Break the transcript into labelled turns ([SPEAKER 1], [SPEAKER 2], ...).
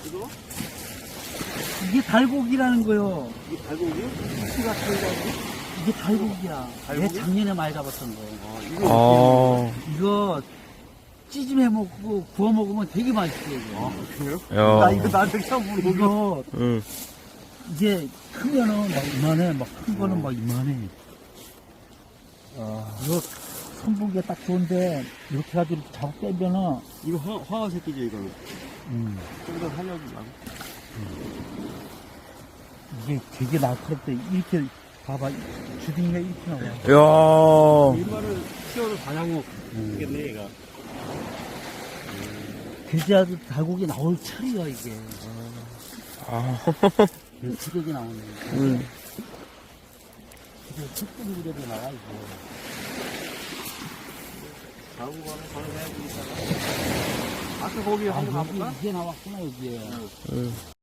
[SPEAKER 1] 이거?
[SPEAKER 2] 이게 달고기라는 거요.
[SPEAKER 1] 이게 달고기요?
[SPEAKER 2] 이가 달고기? 이게 달고기야.
[SPEAKER 1] 달고기?
[SPEAKER 2] 얘 작년에 많이 잡았던 거.
[SPEAKER 1] 아, 이거
[SPEAKER 2] 이거 찌짐해 먹고 구워 먹으면 되게 맛있어요. 이거.
[SPEAKER 1] 그래요?
[SPEAKER 3] 야.
[SPEAKER 1] 나 이거 나한테 처음 물어보고.
[SPEAKER 2] 이거
[SPEAKER 3] 응.
[SPEAKER 2] 이게 크면은 막 이만해, 막 큰 거는 막 이만해. 이거 선보기가 딱 좋은데 이렇게 해가지고 이렇게 잡아 빼면은
[SPEAKER 1] 이거 황어 새끼죠, 이거는. 좀 더 살려주려고.
[SPEAKER 2] 이게 되게 날카롭대. 이렇게 봐봐, 주둥이가 이렇게 나와.
[SPEAKER 3] 야.
[SPEAKER 1] 일반을 키워도 다양어 되겠네, 얘가.
[SPEAKER 2] 그래야도 달고기 나올 철이야 이게.
[SPEAKER 3] 아.
[SPEAKER 2] 주력이 나오네.
[SPEAKER 3] 응.
[SPEAKER 2] 이게 특별히 그래도 나와 이거.
[SPEAKER 1] 달고기는 바로 해야지, 이따가. 아까 거기 한번 가볼까?
[SPEAKER 2] 이게 나왔구나 여기에.
[SPEAKER 3] 응.